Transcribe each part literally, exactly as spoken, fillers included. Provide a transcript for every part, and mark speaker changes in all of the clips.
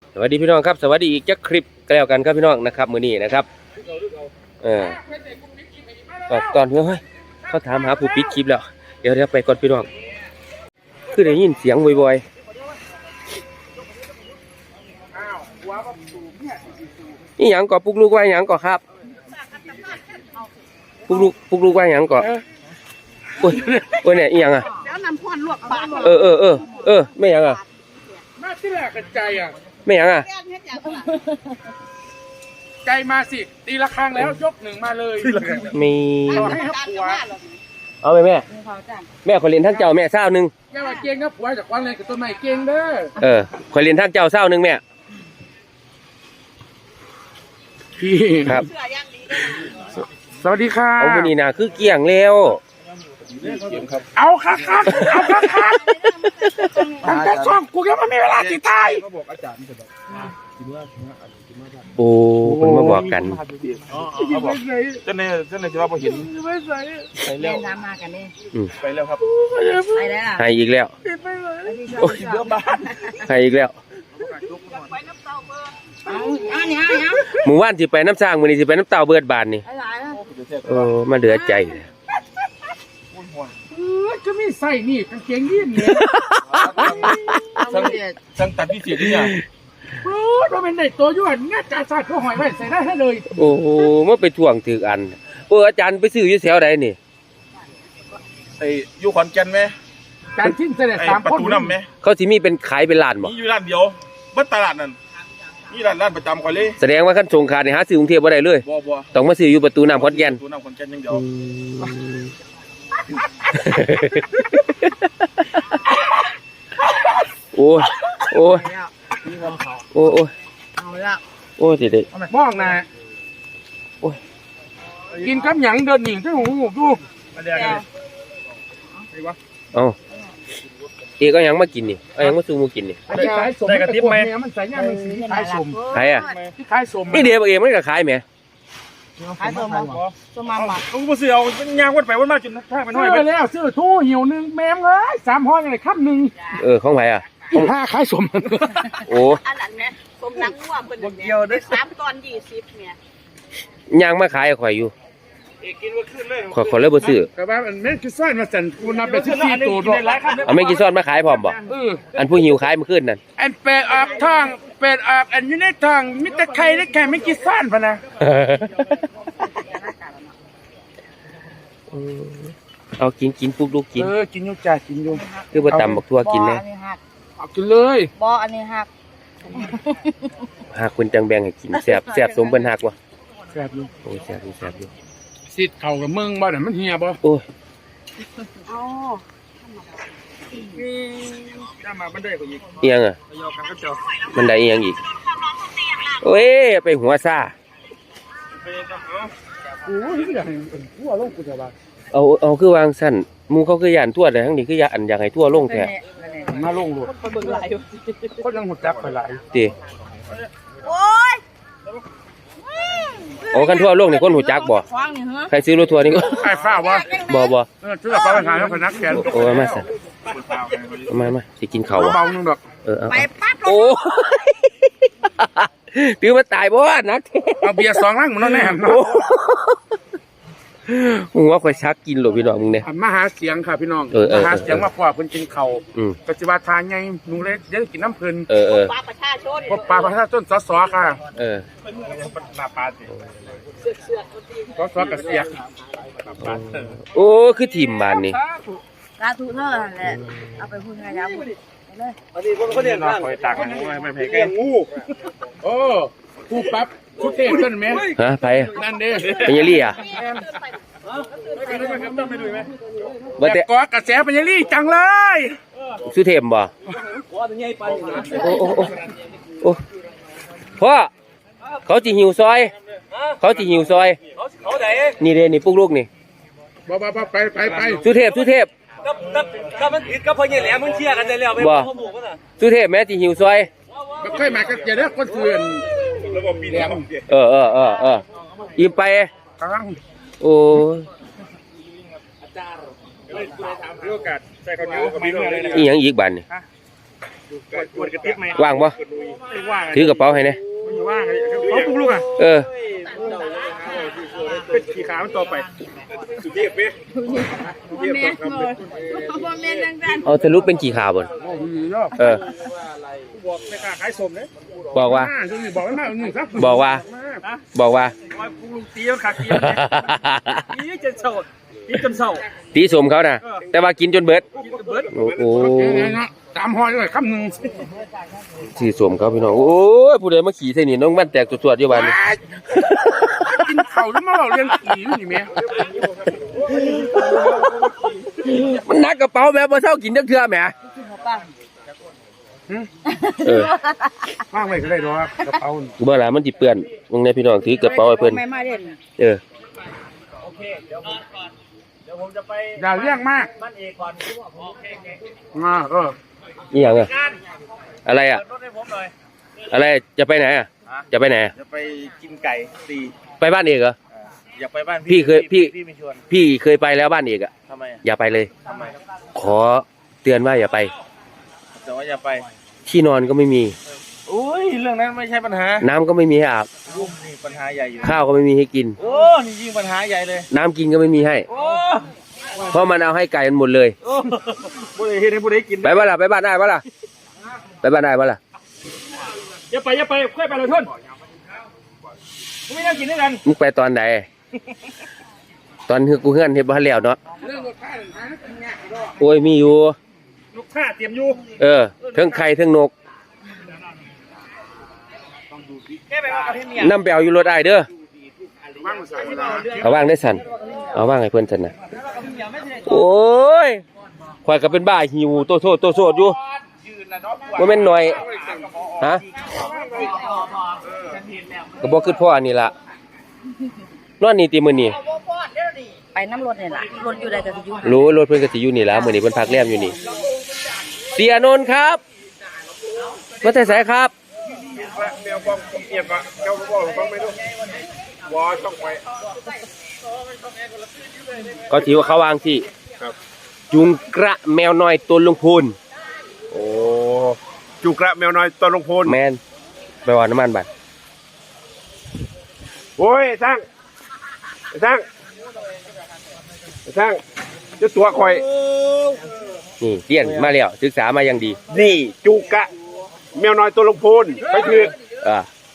Speaker 1: สวัสดีพี่น้องครับสวัสดีอีกจักคลิปก็แล้วกันครับพี่น้องนะครับมื้อนี้นะครับเออตอนนี้เฮ้ยเขาถามหาผู้ปิดคลิปแล้วเดี๋ยวเดี๋ยวไปก่อนพี่น้องคือได้ยินเสียงบ่อยๆนี่หยังก่อปุกลูกว่าหยังก่อครับปุกลูกปุกลูกว่าหยังก่อโอ้ยโอ้ยเนี่ยอีหยังอ่ะ
Speaker 2: แล้วน้ำพรลวกปาก
Speaker 1: เออเออเออเออไม่หยังอ่ะ
Speaker 3: มาที่แรกกันใจอ่ะ
Speaker 1: ไม่หยังอ่ะ
Speaker 3: ใจมาสิตีละครั้งแล้วยกหนึ่งมาเลย
Speaker 1: มี
Speaker 3: ต่อให้ครับผัว
Speaker 1: เอาไปแม่แม่ขอเรียนทั้งเจ้าแม่เศร้าหนึ่ง
Speaker 3: แม่ว่าเก่งครับผัวจากวันเลยกับต้นไม้เก่งเด้อ
Speaker 1: เออขอเรียนทั้งเจ้าเศร้าหนึ่งแม่
Speaker 3: พี่
Speaker 1: ครับ
Speaker 3: สวัสดีค่ะ
Speaker 1: เอาวันนี้นะคือเกี่ยงเร็ว
Speaker 3: เอาค่ะค่ะเอาค่ะค่ะตั้งแต่ช่องกูยังไม่มีเวลาติดตาย
Speaker 1: โอ้คนมาบอกกัน
Speaker 3: เจ้าเนี่ยเจ้าเนี่ยจะว่าพอเห็น
Speaker 2: ไปเล่นน้ำมากันนี่
Speaker 3: ไปแล้วครับ
Speaker 2: ไปแล้ว
Speaker 1: ให้อีกแล้ว
Speaker 3: โอ้ยเยอะมาก
Speaker 1: ให้อีกแล้วหมู่บ้านที่ไปน้ำสร้างมือนี้ที่ไปน้ำเต่าเบิดบานนี่โอ้มาเหลือใจ
Speaker 3: ก็ไม่ใส่นี่กางเกงยีนเนี่ยสั่งตัดพิเศษเนี่ยโอ้เราเป็นเด็กตัวยุ่งง่ายจ่าศาสตร์เขาหอยไว้ใส่ได้ให้เลย
Speaker 1: โอ้โหเมื่อไปถ่วงถืออันโอ้อาจารย์ไปซื้ออยู่แถวใดนี่
Speaker 4: ไอ้อยู่ขอนแก่นไหม
Speaker 3: การทิ้งเสด็จสาม
Speaker 4: ประตูน้ำไหม
Speaker 1: เขาที่มีเป็นขายเป็นร้านบ่
Speaker 4: มีอยู่ร้านเดียวบัดตลาดนั่นนี่ร้านร้านประจำเขาเลย
Speaker 1: แสดงว่าขั้นสงขาดนี่หาซื้อกรุงเทพบ่ได้เลย
Speaker 4: บ่บ่
Speaker 1: ต้องมาซื้ออยู่ประตูน้ำขอนแก่น
Speaker 4: ประตูน้ำขอนแก่นอย่างเดียว
Speaker 1: โอ้โอ้โอ้โอ้
Speaker 2: เอาละ
Speaker 1: โอ้สิเด็ก
Speaker 3: มองนะ
Speaker 1: โอ้ย
Speaker 3: กินกับหยังเดินหนิงที่หูดู
Speaker 1: เอาเอกก็ยังมากินนี่เอายังมาซูมูกินนี่
Speaker 3: ได้กระติบไหมมันใส่ย่างมันสีขายสม
Speaker 1: ขายอ่ะ
Speaker 3: ขายสม
Speaker 1: นี่เดี๋ยวเองมันก็ขายไหม
Speaker 2: ขายสมมาสมมาหมัก
Speaker 4: กูมาซื้อเอาย่างวัดไปวัดมาจนท่ามันห้อย
Speaker 3: ไปแล้วซื้อทู่หิวหนึ่งแมมเลยสามห้อยอะไรครับหนึ่ง
Speaker 1: เออของไหนอ่ะ
Speaker 3: ของห้าขายสม
Speaker 1: โอ้
Speaker 2: อันนั้นเนี่ยสมนักวัวเป็นเดียวได้สามตอนยี่สิบเนี่ย
Speaker 1: ย่างมาขายข่อยอยู่
Speaker 4: กินว่าขึ้นเลย
Speaker 1: ข่อยข่อยเลยบ่ซื้อ
Speaker 3: แต่ว่ามันไม่กินซ้อนมาสั่นกูนับไปที่สี่ตัวด้วย
Speaker 1: เอาไม่กินซ้อนมาขายพร้อมบ่อันผู้หิวขายมาขึ้นนั่น
Speaker 3: อันเป็ดออกทองเป็ดออกอันอยู่ในทองมิตรไข่ได้แค่ไม่กินซ้อนพะนะ
Speaker 1: เอากินกินปุ๊กลูกกิน
Speaker 3: เออกินอยู่จ้ากินอยู่
Speaker 1: คือบ่ตำบักทั่วกินแน่
Speaker 3: เอากินเลย
Speaker 2: บ่อันนี้หัก
Speaker 1: หักคุณจังแบ่งให้กินแซ่บแซ่บสมเพิ่นหักบ่
Speaker 3: แซ่บอยู่
Speaker 1: โอ้แซ่บอยู่แซ่บอยู่
Speaker 3: สิเข่ากับมึงบ่น่ะมันเหียบ่
Speaker 1: โอ้ย
Speaker 2: อ๋อ
Speaker 3: ถ้ามาบันไดก็อีก
Speaker 1: เอียงอ่ะบันไดเอียงอีกโอ้ยไปหัวซ่า
Speaker 3: โอ้ยอยากให้ทั่วโลกกูจะว่า
Speaker 1: เอาเอาคือวางสั่นหมู่เขาคือย่านทั่วแต่ทั้งนี้คือย่านอยากให้ทั่วโลกแท้
Speaker 3: มาลงโลดคนเบิ่งหลายคนยังหูจักไปหลาย
Speaker 1: ติ
Speaker 2: โอ้ย
Speaker 1: โอ้คันทั่วโลกนี่คนหูจักบ่ใครซื้อรถทัวร์นี่ก็
Speaker 3: ไอ้ฟ้าวะ
Speaker 1: บ่บ่
Speaker 3: เออซื้อฟ้าไปขายแล้วพนักแขน
Speaker 1: โอ้มาสั่นมามาสิกินข้าว
Speaker 3: เบานึงดอก
Speaker 1: เออไปปั๊บโอ้ถือมาตายบ่นัก
Speaker 3: เอาเบียร์สองลังมันนั่นแน่
Speaker 1: มึงว่าข่อยชักกินหรอพี่น้องมึงเนี่ย
Speaker 3: มาหาเสียงค่ะพี่น้องมาหาเสียงมาพ่อเพิ่นกินข้าวปัจจุบันทานไงหนูเล็กเดี๋ยวกินน้ำเพิ่น
Speaker 1: เออเออ
Speaker 2: ปลาประชาชน
Speaker 3: พบปลาประชาชนสสค่ะ
Speaker 1: เออ
Speaker 3: ปลาปลาสิสสกับเสีย
Speaker 1: โอ้คือทีมบ้านนี่
Speaker 2: ลาทุเนอร์แหละเอาไปพูดไงครับเลย
Speaker 4: วันนี้คนเขาเรียนว่าคอยตักงูไม่แพ้แกงู
Speaker 3: โอ้กูปั๊บกูเตะเพิ่นไหม
Speaker 1: ฮะไป
Speaker 3: นั่นเด้
Speaker 1: เป็นยังลี่อ่ะ
Speaker 3: แต่ก็กระแสเป็นยังลี่จังเลย
Speaker 1: สุเทพบ่โอ้โอ้โอ้โอ้พ่อเขาจีหิวซอยเขาจีหิวซอยนี่เด้นี่ปุ๊กลูกนี่
Speaker 3: บ่บ่บ่ไปไปไป
Speaker 1: สุเทพสุเทพ
Speaker 4: กับกับกับมันติดกับพ่อใหญ่แหลมมึงเชียร์กันได้แล้วไป
Speaker 1: บ่สุเทพแม่จีหิวซอย
Speaker 3: บ่เคยมากันจะได้คนเถื่อน
Speaker 1: เออเออเออเออยิ้มไปโอ้อีหยังอีกบ้านนี่ว่างบ่ถือกระเป๋าให้เนี่ย
Speaker 3: มันอยู่ว่างเขาปลุกลูกอ่ะ
Speaker 1: เออ
Speaker 3: เป็นขี่ขามันต่อไปสุดเทียบไหม
Speaker 2: พ่อแม่บอกพ่อแม่ดังดัน
Speaker 1: เอาสรุปเป็นกี่ข่าวบน
Speaker 3: โอ้ยเนาะ
Speaker 1: เออ
Speaker 3: บอกในการขายสมเลย
Speaker 1: บอกว่า
Speaker 3: บอกไม่มากหนึ่งครับ
Speaker 1: บอกว่า บอกว่า
Speaker 3: ปลุกลูกตีมันขาดตีตีจนเศร้าตีจนเศร้า
Speaker 1: ตีสมเขานะแต่ว่ากินจนเบิด
Speaker 3: กินจนเบิด
Speaker 1: โอ้โห
Speaker 3: ตามหอยเลยคำหนึ่ง
Speaker 1: สีสมเขาพี่น้องโอ้ยผู้ใดมาขี่ใส่นี่น้องมันแตกสวดๆอยู่บ้านนี่
Speaker 3: กินเข่าแล้วมาเราเรียนขี่นี่แม่
Speaker 1: มันหนักกระเป๋าแบบว่าเท่ากินจักเทื่อแหมเออ
Speaker 3: ว่างไว้ก็ได้หรอกกระเป๋า
Speaker 1: บ่ล่ะมันสิเปื้อนมึงในพี่น้องถือกระเป๋าให้เพิ่น
Speaker 2: ไม่มาเด่น
Speaker 1: เออ
Speaker 5: โอเคเดี๋ยวผมก่อนเดี๋ยวผมจะไป
Speaker 3: อย่าเลี้ยงมาก
Speaker 5: บ้านเอกก่อนโอเคโอเค
Speaker 3: อ่าเออ
Speaker 1: นี่หยังอ่ะ
Speaker 5: การ
Speaker 1: อะไรอ่ะ
Speaker 5: เปิดรถให้ผมหน่อย
Speaker 1: อะไรจะไปไหนอ่ะจะไปไหนอะ
Speaker 5: จะไปกินไก่ตี
Speaker 1: ไปบ้านเอกเหรอ
Speaker 5: อยากไปบ้าน
Speaker 1: พี่เคยพี่
Speaker 5: พี่ไม่ชวน
Speaker 1: พี่เคยไปแล้วบ้านเอกอ่ะ
Speaker 5: ทำไมอะ
Speaker 1: อย่าไปเลย
Speaker 5: ทำไมครับ
Speaker 1: ขอเตือนว่าอย่าไป
Speaker 5: แต่ว่าอย่าไป
Speaker 1: ที่นอนก็ไม่มี
Speaker 5: อุ้ยเรื่องนั้นไม่ใช่ปัญหา
Speaker 1: น้ำก็ไม่มีให้อาบ
Speaker 5: รุ่มนี่ปัญหาใหญ่อยู่
Speaker 1: ข้าวก็ไม่มีให้กิน
Speaker 5: โอ้นี่ยิ่งปัญหาใหญ่เลย
Speaker 1: น้ำกินก็ไม่มีให้
Speaker 5: โอ้
Speaker 1: เพราะมันเอาให้ไก่มันหมดเลย
Speaker 5: โอ้
Speaker 3: ผู้ใดเห็นให้ผู้ใดกิน
Speaker 1: ไปบ้านล่ะไปบ้านได้บ้านล่ะไปบ้านได้บ้านล่ะ
Speaker 3: อย่าไปอย่าไปค่อยไปเลยท่านไม่ต้องกินด้วยกัน
Speaker 1: มึงไปตอนไหนตอนเฮือกูเฮือนเฮ็ดบ้านแล้วเนาะ
Speaker 3: เรื่องรถข้าหนึ่งครั้งกินง่ายก็
Speaker 1: โอ้ยมีอยู่
Speaker 3: ลูกค้าเตรียมอยู่
Speaker 1: เออเทั้งไข่เทั้งนก
Speaker 5: แค่ไปว่ากระเทียมเนี่ย
Speaker 1: น้ำไปเอาอยู่รถได้เด้อ
Speaker 3: ว่างใส่เวลา
Speaker 1: เอาว่างได้สันเอาว่างให้เพื่อนสันนะโอ้ยข่อยก็เป็นบ้าหิวโตโซโตโซดอยู่ว่าแม่นหน่อยฮะก็บอกคือพ่ออันนี้ล่ะนอนนี่ตีมื้อนี้
Speaker 2: ไปน้ำรถเนี่ยล่ะรถอยู่ใดก็จะอยู่
Speaker 1: รู้รถเพิ่นก็สิอยู่นี่ล่ะมื้อนี้เพิ่นพักแรมอยู่นี่เสียนนท์ครับมาแต่ไสครับ
Speaker 3: เดี๋ยวบอกเอียบอ่ะเจ้าบอกฟังไม่รู้วอต้องไป
Speaker 1: ก็ถือว่าเขาวางที่
Speaker 3: ครับ
Speaker 1: จุงกระแมวน้อยตัวลุงพูน
Speaker 3: โอ้จุกระแมวน้อยตอนลงพล
Speaker 1: แมนไปว่าน้ำมันบัด
Speaker 3: โอ้ยสร้างสร้างสร้างจะตัวคอย
Speaker 1: นี่เรียนมาแล้วศึกษามาอย่างดี
Speaker 3: นี่จุกะแมวน้อยตัวลงพลไปคือ
Speaker 1: อ่า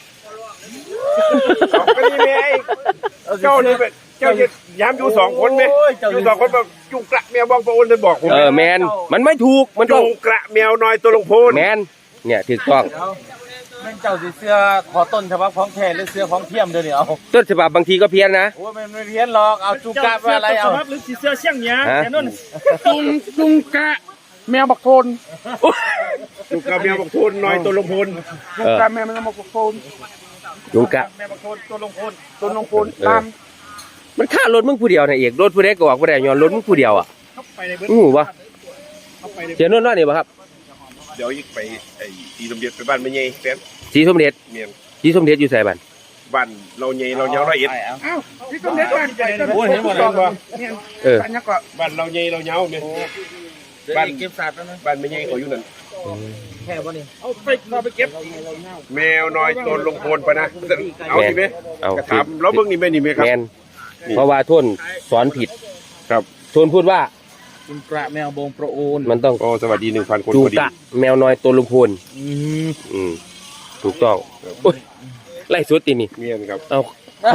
Speaker 3: ก็นี่ไงเจ้านี่เป็นเจ้าจะย้ำอยู่สองคนไหมอยู่สองคนแบบจุกระแมวบองประโอนจะบอกผม
Speaker 1: เออแมนมันไม่ถูกมันต้
Speaker 3: จุ
Speaker 1: อง
Speaker 3: กระแมวน้อยตัวลงพล
Speaker 1: แมนเนี่ยถูกต้อง
Speaker 5: แม่งเจ้าสิเสื้อขอต้นฉบับของแท้หรือเสื้อของเทียมเดี๋ยวนี้เอา
Speaker 1: ต้นฉบับบางทีก็เพี้ยนนะ
Speaker 5: โอ้ยมันไม่เพี้ยนหรอกเอาจูกาไปอะไรเอา
Speaker 3: หรือสีเสื้อเชี่ยงเนี้ย
Speaker 1: ฮะ
Speaker 3: แต่นุ่นจุงจุงกะแมวบักโทนจุกะแมวบักโทนน้อยตัวลงพลจุกะแมวมันบักโทน
Speaker 1: จุงกะ
Speaker 3: แมวบักโทนตัวลงพลตัวลงพลตาม
Speaker 1: มันฆ่ารถมึงผู้เดียวนะเอกรถผู้ใดก็ออกผู้ใดย้อนรถมึงผู้เดียวอ่ะ
Speaker 3: เข้าไปในเบื้อง
Speaker 1: อู้หูวะ
Speaker 3: เข้าไปใน
Speaker 1: เสียนนท์ว่านี่บ่ครับ
Speaker 4: เดี๋ยวอีกไปไอ้ตีลำเบียดไปบ้านแม่ใหญ่แฟน
Speaker 1: สีสมเด็จ
Speaker 4: เมียน
Speaker 1: สีสมเด็จอยู่ใส่บ้าน
Speaker 4: บ้านเราใหญ่เรายาวละเอียด
Speaker 3: อ้าวที่ต้องเด็ดบ้านใหญ่
Speaker 4: โอ้ยเห็นหมดเลยว่ะ
Speaker 3: เนี่ย
Speaker 1: เออ
Speaker 3: บ้านยักษ์ก็
Speaker 4: บ้านเราใหญ่เรายาวเนี่ย
Speaker 5: บ้านเก็บสัตว์แล้วนะ
Speaker 4: บ้านแม่ใหญ่เขาอยู่นั่น
Speaker 5: แค่บ่นี่
Speaker 3: เอาไปเอาไปเก็บ
Speaker 4: แมวน้อยตัวลงพลปะนะเอาสิไหม
Speaker 1: เอา
Speaker 4: กระถามแล้วเบิ่งนี่แม่นี่ไหมครับ
Speaker 1: แมนเพราะว่าทุนสอนผิด
Speaker 4: ครับ
Speaker 1: ทุนพูดว่า
Speaker 5: จุกระแมวบงประโอน
Speaker 1: มันต้อง
Speaker 4: ก็สวัสดีหนึ่งพันคน
Speaker 1: จู
Speaker 4: พอดี
Speaker 1: กะแมวน้อยตัวลุงพูน
Speaker 5: อืม
Speaker 1: อืมถูกต้องโอ้ยไล่สุดตีนี่
Speaker 4: เมียนครับ
Speaker 1: เอา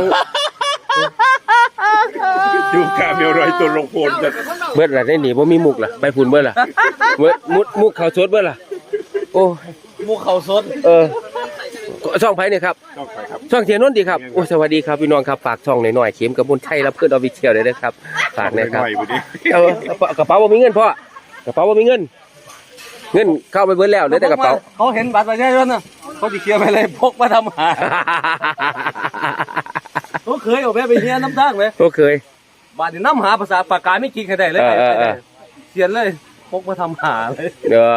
Speaker 4: จูกะแมวน้อยตัวลงพลจะ
Speaker 1: เบิดล่ะได้หนีบ่มีมุกล่ะไปพูนเบิดล่ะเบิดมุดมุกเขาสดเบิดล่ะโอ้
Speaker 5: หมูเขาสด
Speaker 1: เออช่องไผเนี่ยครับ
Speaker 4: ต้องไปครับ
Speaker 1: ช่องเทียนนท์ดีครับโอ้สวัสดีครับพี่น้องครับฝากช่องหน่อยๆเข็มกับบุญไทยรับเพื่อนออฟฟิเชียลเลยนะครับฝากนะครับ
Speaker 4: หน่อยพอดี
Speaker 1: เอากระเป๋าบ่มีเงินพ่อกระเป๋าบ่มีเงิน เงินเข้าไปเบิดแล้วเหลือแต่กระเป๋า
Speaker 5: เขาเห็นบัตรประชาชนน่ะเขาสิเคลียร์ไปเลยพกมาทำหาเขาเคยเอาไปไปเฮียน้ำทางเลย
Speaker 1: ก็เคย
Speaker 5: บาดนี่น้ำหาภาษาปากกาไม่กินใครได้เลย
Speaker 1: เออเออเออ
Speaker 5: เขียนเลยพกมาทำหาเลย
Speaker 1: เออ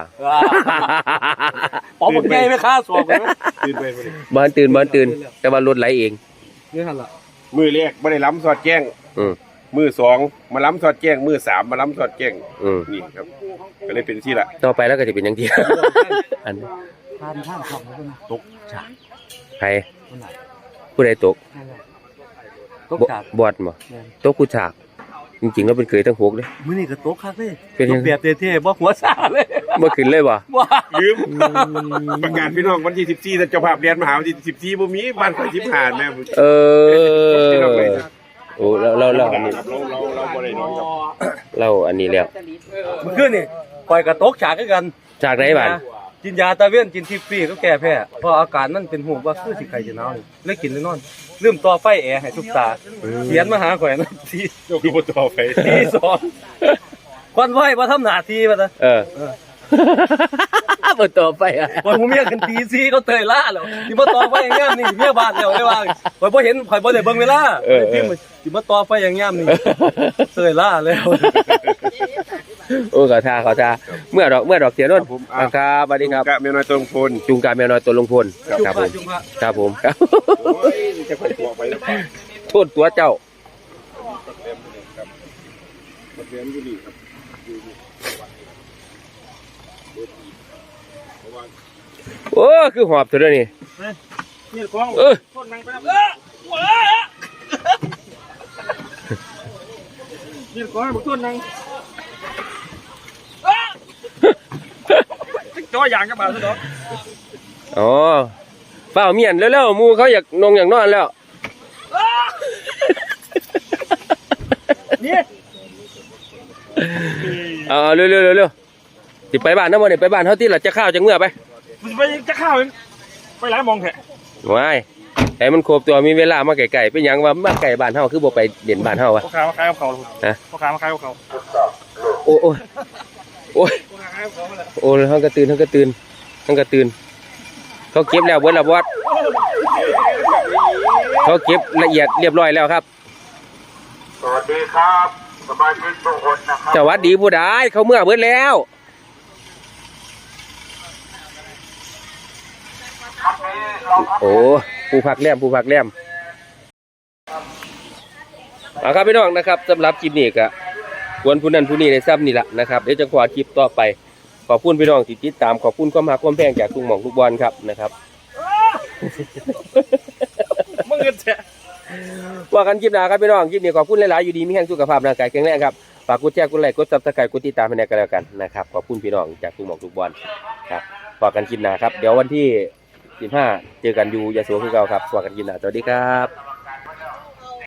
Speaker 5: ป๋อผมใหญ่ไม่ค่าสอบเลย
Speaker 4: ตื่นไปพอดี
Speaker 1: บ้านตื่นบ้านตื่น แต่ว่ารถไหลเอง
Speaker 5: นี่หันละ
Speaker 4: มือแรกไม่ได้ล้ำสอดแจ้ง
Speaker 1: อืม
Speaker 4: มือสองมาล้ำสอดแจ้งมือสามมาล้ำสอดแจ้ง
Speaker 1: อืม
Speaker 4: นี่ครับก็เลยเป็นที่ละ
Speaker 1: ต่อไปแล้วก็จะเป็นอย่างที่ อัน
Speaker 5: ทานท่านของมันตกฉาก
Speaker 1: ใครผู้ใดตก
Speaker 5: ตกฉาก
Speaker 1: บอดบ่ตกกูฉากจริงๆแล้วเป็นเคยทั้งหกเลย
Speaker 5: มื้อนี้ก็ตกคักเลย
Speaker 1: เป็นยัง
Speaker 5: ตกแบบเท่ๆบ่หัวซ่าเลย
Speaker 1: บ่ขึ้นเลยบ่
Speaker 5: ว้า
Speaker 3: ลืมประกาศพี่น้องวันที่สิบสี่เจ้าภาพเรียนมหาวันที่สิบสี่บ่มีบ้านข่อยสิบห้าแม่
Speaker 1: เออโอ้เราเราเราอันนี้
Speaker 3: เราเราเราบ่ได้นอนครับ
Speaker 1: เราอันนี้แล้ว
Speaker 5: เมื่อคืนนี่ปล่อยกระตกฉากคือกัน
Speaker 1: จากไหนบ้าน
Speaker 5: กินยาตะเวนกินทิฟฟี่ก็แก้แพ้เพราะอาการมันเป็นห่วงว่าคือสิไข้จะหนาวนี่เลยกินเลยนอนลืมต่อไฟแอร์ให้ทุกตาเขียนมาหาข่อยนะที
Speaker 3: เจ้าคือบ่ต่อไป
Speaker 5: ที่สองควันไหวบ่ทำหน้าที่บ่ตะ
Speaker 1: เออบ่ต่อไปอ่ะ
Speaker 5: วันผมเมียกันตีซีเขาเตยล่าแล้วสิมาต่อไฟอย่างงามนี่เมียบ้านแล้วได้ว่าข่อยบ่เห็นข่อยบ่ได้เบิ่งเวลาที่มันสิมาต่อไฟอย่างงามนี่เตยล่าแล้ว
Speaker 1: โอ้ขอทาขอทาเมื่อดอกเมื่อดอกเสียนนท์ครับสวัสดีครับ
Speaker 3: กะแม่น้อยตรงพล
Speaker 1: จุงกาแมวน้อยตัวลงพลครับผม
Speaker 5: จุงพระ
Speaker 1: ครับผมครับ
Speaker 3: โอ้ยจะไปตัวไปแล้ว
Speaker 1: โทษตัวเจ้า
Speaker 3: มาเรียนอยู่นี่ครับ
Speaker 1: โอ้คือหอบตัวเดียวนี่
Speaker 3: นี่กล้อง
Speaker 1: เออ
Speaker 3: คนนั่งไปแล้วเออว้านี่กล้องบุกต้นนั่งจออย่างกับบ่าวซะเนาะ
Speaker 1: อ๋อเปล่าเมียนแล้วๆหมูเขาอยากนงอยากนอนแล้ว
Speaker 3: นี่
Speaker 1: เอาเร็วๆเร็วๆสิไปบ้านน้ำมันนี่ไปบ้านเฮาที่ล่ะจะข้าวจังเมื่อไป
Speaker 3: มันไปจะข้าวไปร้านมองแท้
Speaker 1: ว้ายให้มันครบตัวมีเวลามาไกลๆเป็นหยังว่ามาไกลบ้านเฮาคือบ่ไปเด่นบ้านเฮาวะ
Speaker 3: พ่อค้ามาขายกับเขา
Speaker 1: ฮะ
Speaker 3: พ่อค้ามาขายกับเขา
Speaker 1: โอ้โอ้ยโอ้ย
Speaker 3: พ่อค้าขายกับเขามาแล้ว
Speaker 1: โอ้ยเฮาก็ตื่นเฮาก็ตื่นเฮาก็ตื่นเขาเก็บแล้วเบิดแล้วบอสเขาเก็บละเอียดเรียบร้อยแล้วครับ
Speaker 6: สวัสดีครับสมาชิกทุกคนนะครับ
Speaker 1: สวัสดีผู้ใดเขาเมื่อเบิดแล้ว
Speaker 6: ครับนี้เราพัก
Speaker 1: โอ้ผู้พักแรมผู้พักแรมเอาครับพี่น้องนะครับสำหรับคลิปนี้ก็ควรผู้นั้นผู้นี้ในซ้ำนี่แหละนะครับเดี๋ยวจะขอคลิปต่อไปขอบคุณพี่น้องที่ติดตามขอบคุณความรักความแพงจากทุกหม่องทุกบอลครับนะครับ
Speaker 3: มึงเงินแท้
Speaker 1: ว่ากันคลิปหน้าครับพี่น้องคลิปนี้ขอบคุณหลายๆอยู่ดีมีแห่งสุขภาพร่างกายแข็งแรงครับฝากกดแชร์กดไลค์กดซับสไครต์กดติดตามให้แน่กันแล้วกันนะครับขอบคุณพี่น้องจากทุกหม่องทุกบอลครับฝากกันคลิปหน้าครับเดี๋ยววันที่สิบห้าเจอกันอยู่ยะโสคือเก่าครับฝากกันคลิปหน้าสวัสดีครับ